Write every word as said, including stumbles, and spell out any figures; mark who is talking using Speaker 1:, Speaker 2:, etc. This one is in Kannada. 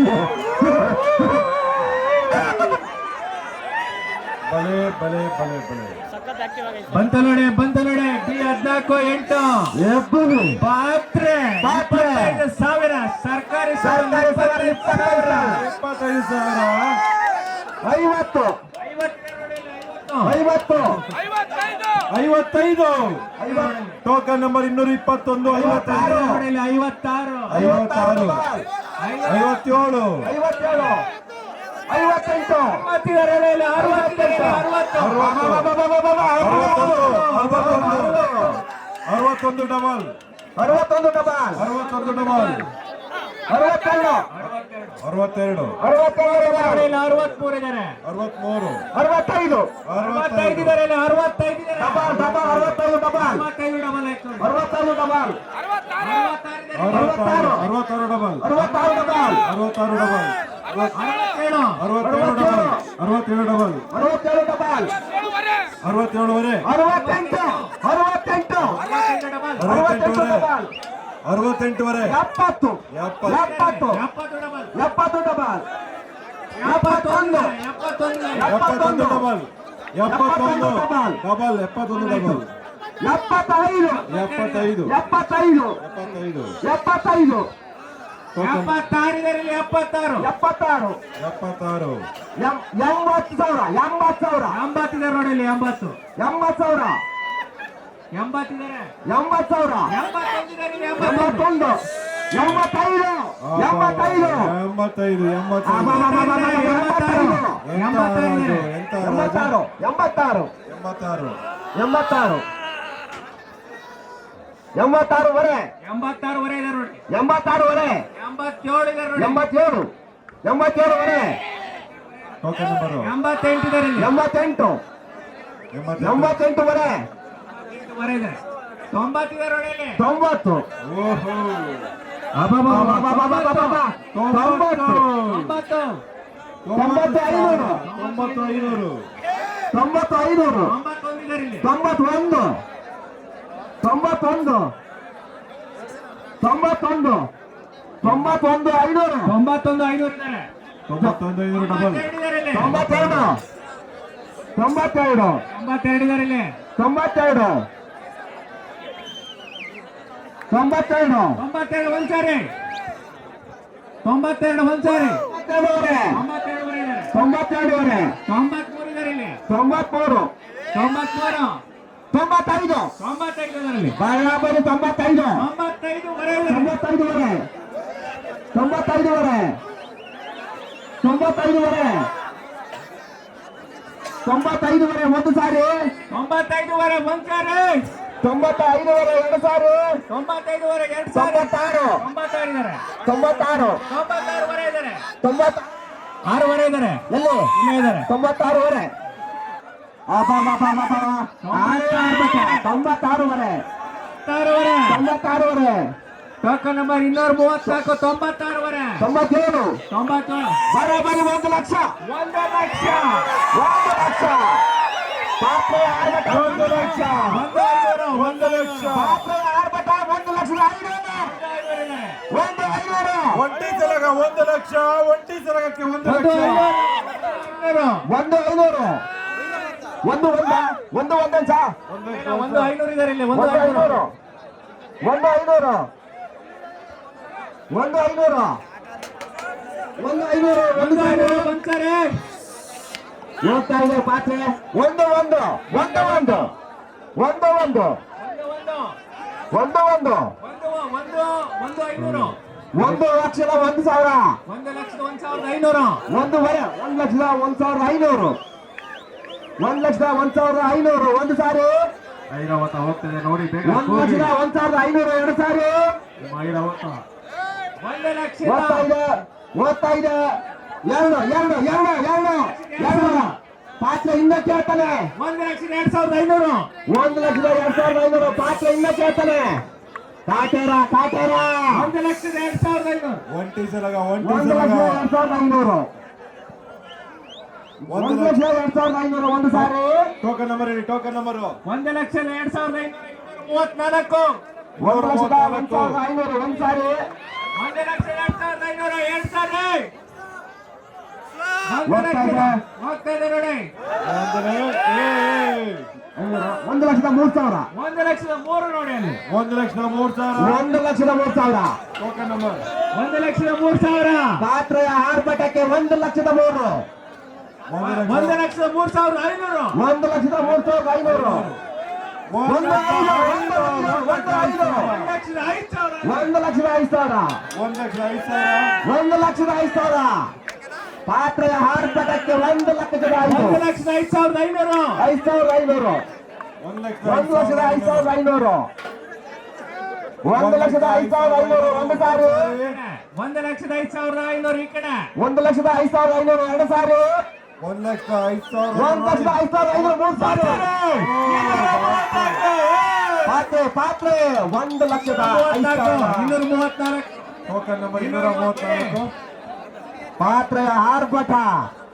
Speaker 1: ಬಲೆ ಬಲೆ ಬಲೆ ಬಲೆ
Speaker 2: ಬಂತ ನೋಡಿ ಬಂತ ನೋಡಿ ಬಿ ಹದ್ನಾಲ್ಕು ಎಂಟು
Speaker 3: ಎಬ್ಬರು
Speaker 2: ಪಾತ್ರೆ
Speaker 3: ಪಾತ್ರೆ.
Speaker 2: ಇಪ್ಪತ್ತೈದು ಸಾವಿರ ಸರ್ಕಾರಿ
Speaker 3: ಸರ್ಕಾರಿ ಸಾವಿರ ಇಪ್ಪತ್ತೈದು ಸಾವಿರ.
Speaker 1: ಇಪ್ಪತ್ತೈದು ಸಾವಿರ
Speaker 3: ಐವತ್ತು ಐವತ್ತು
Speaker 1: ಐವತ್ತೈದು ಟೋಕನ್ ನಂಬರ್ ಇನ್ನೂರ ಇಪ್ಪತ್ತೊಂದು ಐವತ್ತೈದು
Speaker 2: ಐವತ್ತಾರು
Speaker 1: ಐವತ್ತಾರು ಐವತ್ತೇಳು
Speaker 3: ಐವತ್ತೇಳು ಐವತ್ತೆಂಟು
Speaker 1: ಅರವತ್ತೊಂದು ಡಬಲ್
Speaker 3: ಅರವತ್ತೊಂದು ಡಬಲ್
Speaker 1: ಅರವತ್ತೊಂದು ಡಬಲ್
Speaker 3: ಅರವತ್ತೆರಡು
Speaker 1: ಅರವತ್ತೆರಡು
Speaker 3: ಅರವತ್ತೆರಡು
Speaker 2: ಅರವತ್ಮೂರು ಇದ್ದಾರೆ
Speaker 1: ಅರವತ್ಮೂರು
Speaker 3: ಅರವತ್ತೈದು
Speaker 2: ಅರವತ್ತೈದು ಇದ್ದಾರೆ ಅರವತ್ತೈದು
Speaker 3: ಡಬಲ್ ಡಬಲ್ ಅರವತ್ತೈದು ಡಬಲ್
Speaker 2: ಅರವತ್ತೈದು ಡಬಲ್
Speaker 3: ಅರವತ್ತೈದು ಡಬಲ್
Speaker 1: ಅರವತ್ತಾರು ಅರವತ್ತಾರು ಡಬಲ್
Speaker 3: ಅರವತ್ತಾರು ಡಬಲ್
Speaker 1: ಅರವತ್ತಾರು ಡಬಲ್
Speaker 2: ಅರವತ್ತೇಳು
Speaker 1: ಅರವತ್ತೇಳು ಡಬಲ್ ಅರವತ್ತೇಳು ಡಬಲ್
Speaker 3: ಅರವತ್ತೇಳು ಡಬಲ್
Speaker 1: ಅರವತ್ತೇಳುವರೆ
Speaker 3: ಅರವತ್ತೆಂಟು ಅರವತ್ತೆಂಟು
Speaker 2: ಅರವತ್ತೆಂಟು ಡಬಲ್
Speaker 3: ಅರವತ್ತೆಂಟು ಡಬಲ್
Speaker 1: ಅರವತ್ತೆಂಟುವರೆ
Speaker 3: ಎಪ್ಪತ್ತು
Speaker 1: ಎಪ್ಪತ್ತು
Speaker 3: ಎಪ್ಪತ್ತು
Speaker 2: ಎಪ್ಪತ್ತು ಡಬಲ್
Speaker 3: ಎಪ್ಪತ್ತು ಡಬಲ್ ಎಪ್ಪತ್ತೊಂದು
Speaker 2: ಎಪ್ಪತ್ತೊಂದು
Speaker 1: ಎಪ್ಪತ್ತೊಂದು ಡಬಲ್ ಎಪ್ಪತ್ತೊಂದು ಡಬಲ್ ಎಪ್ಪತ್ತೊಂದು ಡಬಲ್
Speaker 3: ಎಪ್ಪತ್ತೈದು
Speaker 1: ಎಪ್ಪತ್ತೈದು
Speaker 3: ಎಪ್ಪತ್ತೈದು
Speaker 1: ಎಪ್ಪತ್ತೈದು
Speaker 3: ಎಪ್ಪತ್ತೈದು
Speaker 2: ಎಪ್ಪತ್ತಾರು ಎಪ್ಪತ್ತಾರು
Speaker 3: ಎಪ್ಪತ್ತಾರು
Speaker 1: ಎಪ್ಪತ್ತಾರು
Speaker 3: ಎಂ- ಎಂಬತ್ತು ಸಾವಿರ ಎಂಬತ್ತು ಸಾವಿರ
Speaker 2: ಎಂಬತ್ತಿದ್ದಾರೆ ನೋಡಿ ಎಂಬತ್ತು
Speaker 3: ಎಂಬತ್ತು ಸಾವಿರ
Speaker 2: ಎಂಬತ್ತಿದ್ದಾರೆ
Speaker 3: ಎಂಬತ್ತು ಸಾವಿರ
Speaker 2: ಎಂಬತ್ತೊಂದಿದ್ದಾರೆ
Speaker 3: ಎಂಬತ್ತೊಂದು ಎಂಬತ್ತೈದು ಎಂಬತ್ತೈದು
Speaker 1: ಎಂಬತ್ತೈದು
Speaker 3: ಎಂಬತ್ತೈದು
Speaker 1: ಎಂಬತ್ತಾರು
Speaker 3: ಎಂಬತ್ತಾರು
Speaker 1: ಎಂಬತ್ತಾರು
Speaker 3: ಎಂಬತ್ತಾರು ಎಂಬತ್ತಾರುವರೆ
Speaker 2: ಎಂಬತ್ತಾರುವರೆ ಇದ್ದಾರೆ ನೋಡಿ
Speaker 3: ಎಂಬತ್ತಾರುವರೆ
Speaker 2: ಎಂಬತ್ತೇಳು ಇದ್ದಾರೆ ನೋಡಿ
Speaker 3: ಎಂಬತ್ತೇಳು ಎಂಬತ್ತೇಳುವರೆ
Speaker 1: ಟೋಕನ್ ನಂಬರು
Speaker 2: ಎಂಬತ್ತೆಂಟು ಇದ್ದಾರೆ ಇಲ್ಲಿ
Speaker 3: ಎಂಬತ್ತೆಂಟು
Speaker 1: ಎಂಬತ್ತೆಂಟು
Speaker 3: ಎಂಬತ್ತೆಂಟುವರೆ
Speaker 2: ಎಂಬತ್ತೈದುವರೆ ಇದೆ ತೊಂಬತ್ತಿದ್ದಾರೆ ನೋಡಿ ಇಲ್ಲಿ
Speaker 3: ತೊಂಬತ್ತು
Speaker 1: ಓಹೋ
Speaker 3: ಅಬ್ಬಬ್ಬಬ್ಬಬ್ಬಬ್ಬಬ್ಬಬ್ಬ. ತೊಂಬತ್ತು
Speaker 2: ತೊಂಬತ್ತು
Speaker 3: ತೊಂಬತ್ತು ಐನೂರು
Speaker 1: ತೊಂಬತ್ತು ಐನೂರು
Speaker 3: ತೊಂಬತ್ತು ಐನೂರು
Speaker 2: ತೊಂಬತ್ತೊಂದು ಇದ್ದಾರೆ ಇಲ್ಲಿ
Speaker 3: ತೊಂಬತ್ತೊಂದು ತೊಂಬತ್ತೊಂದು ತೊಂಬತ್ತೊಂದು ತೊಂಬತ್ತೊಂದು ಐನೂರು
Speaker 2: ತೊಂಬತ್ತೊಂದು ಐನೂರು ಇದ್ದಾರೆ
Speaker 1: ತೊಂಬತ್ತೊಂದು ಐನೂರು ಡಬಲ್
Speaker 2: ತೊಂಬತ್ತೆರಡು ಇದ್ದಾರೆ ಇಲ್ಲಿ
Speaker 3: ತೊಂಬತ್ತೆರಡು ತೊಂಬತ್ತೆರಡು
Speaker 2: ತೊಂಬತ್ತೆರಡು ಇದ್ದಾರೆ ಇಲ್ಲಿ
Speaker 3: ತೊಂಬತ್ತೆರಡು ತೊಂಬತ್ತೆರಡು
Speaker 2: ತೊಂಬತ್ತೆರಡು ಒಂದ್ ಸಾರಿ ತೊಂಬತ್ತೆರಡು ಒಂದ್ ಸಾರಿ
Speaker 3: ತೊಂಬತ್ತೆರಡುವರೆ
Speaker 2: ತೊಂಬತ್ತೆರಡುವರೆ ಇದ್ದಾರೆ
Speaker 3: ತೊಂಬತ್ತೆರಡುವರೆ
Speaker 2: ತೊಂಬತ್ಮೂರು ಇದ್ದಾರೆ ಇಲ್ಲಿ
Speaker 3: ತೊಂಬತ್ಮೂರು
Speaker 2: ತೊಂಬತ್ಮೂರು
Speaker 3: ತೊಂಬತ್ತೈದು
Speaker 2: ತೊಂಬತ್ತೈದು ಇದ್ದಾರೆ ಇಲ್ಲಿ
Speaker 3: ಬರಾಬರಿ ತೊಂಬತ್ತೈದು
Speaker 2: ತೊಂಬತ್ತೈದುವರೆ ಇದ್ದಾರೆ
Speaker 3: ತೊಂಬತ್ತೈದುವರೆ ತೊಂಬತ್ತೈದುವರೆ ತೊಂಬತ್ತೈದುವರೆ ತೊಂಬತ್ತೈದುವರೆ ಒಂದು ಸಾರಿ
Speaker 2: ತೊಂಬತ್ತೈದುವರೆ ಒಂದ್ ಸಾರಿ
Speaker 3: ತೊಂಬತ್ತೈದುವರೆ ಎರಡು ಸಾರಿ
Speaker 2: ತೊಂಬತ್ತೈದುವರೆ ಎರಡು ಸಾರಿ
Speaker 3: ತೊಂಬತ್ತಾರು
Speaker 2: ತೊಂಬತ್ತಾರು ಇದ್ದಾರೆ
Speaker 3: ತೊಂಬತ್ತಾರು
Speaker 2: ತೊಂಬತ್ತಾರುವರೆ ಇದ್ದಾರೆ
Speaker 3: ತೊಂಬತ್ತ
Speaker 2: ಆರೂವರೆ ಇದ್ದಾರೆ
Speaker 3: ಎಲ್ಲಿ
Speaker 2: ಇಲ್ಲೇ ಇದ್ದಾರೆ
Speaker 3: ತೊಂಬತ್ತಾರುವರೆ ತೊಂಬತ್ತಾರುವರೆ
Speaker 2: ಆರೂವರೆ
Speaker 3: ತೊಂಬತ್ತಾರುವರೆ
Speaker 2: ಟೋಕನ್ ನಂಬರ್ ಇನ್ನೂರ ಮೂವತ್ನಾಲ್ಕು ತೊಂಬತ್ತಾರುವರೆ
Speaker 3: ತೊಂಬತ್ತೇಳು
Speaker 2: ತೊಂಬತ್ತೇಳು
Speaker 3: ಬರೋಬ್ಬರಿ ಒಂದು ಲಕ್ಷ
Speaker 2: ಒಂದು ಲಕ್ಷ
Speaker 3: ಒಂದು ಲಕ್ಷ ಪಾತ್ರೆ ಆರ್ಭಟ ಒಂದು ಲಕ್ಷ
Speaker 2: ಒಂದು ಐನೂರು
Speaker 1: ಒಂದು ಲಕ್ಷ
Speaker 3: ಪಾತ್ರೆ ಆರ್ಭಟ ಒಂದು ಲಕ್ಷದ ಐನೂರು ಒಂದು ಐನೂರು
Speaker 1: ಒಂಟಿ ಸಲಗ ಒಂದು ಲಕ್ಷ ಒಂಟಿ ಸಲಗಕ್ಕೆ ಒಂದು
Speaker 2: ಒಂದು
Speaker 1: ಲಕ್ಷ
Speaker 2: ಐನೂರು
Speaker 3: ಒಂದು ಐನೂರು ಒಂದು ಒಂದ ಒಂದು ಒಂದಂಶ
Speaker 2: ಒಂದು ಐನೂರು ಇದ್ದಾರೆ ಇಲ್ಲಿ ಒಂದು
Speaker 3: ಒಂದು
Speaker 2: ಐನೂರು
Speaker 3: ಐನೂರು ಒಂದು ಐನೂರು ಒಂದು ಐನೂರು ಒಂದು ಐನೂರು ಒಂದು
Speaker 2: ಒಂದು
Speaker 3: ಸಾವಿರ
Speaker 2: ಐನೂರು ಒಂದ್ ಸಾರಿ
Speaker 3: ಹೋಗ್ತಾ ಇದೆ ಪಾತ್ರೆ ಒಂದು ಒಂದು ಒಂದು ಒಂದು ಒಂದು ಒಂದು
Speaker 2: ಒಂದು ಒಂದು
Speaker 3: ಒಂದು ಒಂದು
Speaker 2: ಒಂದು ಒಂದು ಒಂದು ಐನೂರು
Speaker 3: ಒಂದು ಲಕ್ಷದ ಒಂದು ಸಾವಿರ
Speaker 2: ಒಂದು ಲಕ್ಷದ ಒಂದ್ ಸಾವಿರದ ಐನೂರು
Speaker 3: ಒಂದೂವರೆ ಒಂದು ಲಕ್ಷದ ಒಂದು ಸಾವಿರದ ಐನೂರು ಒಂದು ಲಕ್ಷದ ಒಂದು ಸಾವಿರದ ಐನೂರು ಒಂದು ಸಾರಿ
Speaker 1: ಐರಾವತ ಹೋಗ್ತದೆ ನೋಡಿ ಬೇಗ
Speaker 3: ಒಂದು ಲಕ್ಷದ ಒಂದು ಸಾವಿರದ ಐನೂರು ಎರಡು ಸಾರಿ
Speaker 1: ಐರಾವತ
Speaker 2: ಒಂದು ಲಕ್ಷ
Speaker 3: ಓದ್ತಾ ಇದೆ ಓದ್ತಾ ಇದೆ ಎರಡು ಎರಡು ಎರಡು ಎರಡು ಎರಡು ಪಾತ್ರೆ ಇನ್ನ ಕೇಳ್ತಾನೆ
Speaker 2: ಒಂದು ಲಕ್ಷದ ಎರಡ್ ಸಾವಿರದ ಐನೂರು
Speaker 3: ಒಂದು ಲಕ್ಷದ ಎರಡ್ ಸಾವಿರದ ಐನೂರು ಪಾತ್ರೆ ಇನ್ನ ಕೇಳ್ತಾನೆ ಕಾಟೇರ ಕಾಟೇರ
Speaker 2: ಒಂದು ಲಕ್ಷದ ಎರಡ್ ಸಾವಿರದ ಐನೂರು
Speaker 1: ಒಂಟಿ ಸಲಗ ಒಂಟಿ
Speaker 3: ಒಂದು
Speaker 1: ಸಲಗ
Speaker 3: ಲಕ್ಷದ ಎರಡ್ ಸಾವಿರದ ಐನೂರು
Speaker 1: ಒಂದು
Speaker 3: ಒಂದು
Speaker 1: ಲಕ್ಷ
Speaker 3: ಲಕ್ಷದ ಎರಡ್ ಸಾವಿರದ ಐನೂರು ಒಂದು ಸಾರಿ
Speaker 1: ಟೋಕನ್ ನಂಬರ್ ಹೇಳಿ ಟೋಕನ್ ನಂಬರ್
Speaker 2: ಒಂದು ಲಕ್ಷದ ಎರಡ್ ಸಾವಿರದ ಐನೂರ ಮೂವತ್ನಾಲ್ಕು
Speaker 3: ಒಂದು ಲಕ್ಷದ ಒಂದು ಸಾವಿರದ ಐನೂರು ಒಂದು ಸಾರಿ
Speaker 2: ಒಂದು ಲಕ್ಷದ ಎರಡ್ ಸಾವಿರದ ಐನೂರ ಎರಡ್ ಸಾರಿ ಒಂದು
Speaker 3: ಹೋಗ್ತಾ
Speaker 2: ಲಕ್ಷದ
Speaker 3: ಇದೆ.
Speaker 2: ಹೋಗ್ತಾ ಇದೆ ನೋಡಿ
Speaker 1: ಒಂದು ಏ, ಏ.
Speaker 3: ಒಂದು ಲಕ್ಷದ ಮೂರ್ ಸಾವಿರ
Speaker 2: ಒಂದು ಲಕ್ಷದ ಮೂರು ನೋಡಿ ಅಲ್ಲಿ
Speaker 1: ಒಂದು ಲಕ್ಷದ ಮೂರು ಸಾವಿರ
Speaker 3: ಒಂದು ಲಕ್ಷದ ಮೂರ್ ಸಾವಿರ
Speaker 1: ಟೋಕನ್ ನಂಬರ್
Speaker 2: ಒಂದು ಲಕ್ಷದ ಮೂರು ಸಾವಿರ
Speaker 3: ಪಾತ್ರೆಯ ಆರ್ಭಟಕ್ಕೆ ಒಂದು ಲಕ್ಷದ ಮೂರು
Speaker 1: ಒಂದು
Speaker 2: ಒಂದು
Speaker 1: ಲಕ್ಷ
Speaker 2: ಲಕ್ಷದ ಮೂರು ಸಾವಿರದ ಐನೂರು
Speaker 3: ಒಂದು ಲಕ್ಷದ ಮೂರ್ ಸಾವಿರದ ಐನೂರು
Speaker 1: ಒಂದು ಲಕ್ಷ
Speaker 3: ಒಂದು ಒಂದು ಐದು
Speaker 2: ಒಂದು ಲಕ್ಷದ ಐದು ಸಾವಿರ
Speaker 3: ಒಂದು ಲಕ್ಷದ ಐದು ಸಾವಿರ
Speaker 1: ಒಂದು ಲಕ್ಷ ಐದು ಸಾವಿರ
Speaker 3: ಒಂದು ಲಕ್ಷದ ಐದು ಸಾವಿರ ಪಾತ್ರೆಯ ಆರ್ಭಟಕ್ಕೆ ಒಂದು ಲಕ್ಷದ ಐದು
Speaker 2: ಒಂದು ಲಕ್ಷದ ಐದು ಸಾವಿರದ ಐನೂರು
Speaker 3: ಐದು ಸಾವಿರದ ಐನೂರು
Speaker 1: ಒಂದು ಲಕ್ಷ
Speaker 3: ಒಂದು ಲಕ್ಷದ ಐದು ಸಾವಿರದ ಐನೂರು ಒಂದು ಲಕ್ಷದ ಐದು ಸಾವಿರದ ಐನೂರು ಒಂದು ಸಾರಿ
Speaker 2: ಒಂದು ಲಕ್ಷದ ಐದು ಸಾವಿರದ ಐನೂರು ಈ ಕಡೆ
Speaker 3: ಒಂದು ಲಕ್ಷದ ಐದು ಸಾವಿರದ ಐನೂರು ಎರಡು ಸಾರಿ
Speaker 1: ಒಂದು ಲಕ್ಷ ಐದು ಸಾವಿರ
Speaker 3: ಒಂದು ಲಕ್ಷದ ಐದು ಸಾವಿರದ ಐನೂರು ಮೂರು ಸಾರಿ ಪಾತ್ರೆ ಪಾತ್ರೆ ಒಂದು ಲಕ್ಷದ ಐದು ಸಾವಿರ
Speaker 2: ಇನ್ನೂರ ಮೂವತ್ನಾಲ್ಕು
Speaker 1: ಟೋಕನ್ ನಂಬರ್ ಇನ್ನೂರ ಮೂವತ್ನಾಲ್ಕು
Speaker 3: ಪಾತ್ರೆಯ ಆರ್ಭಟ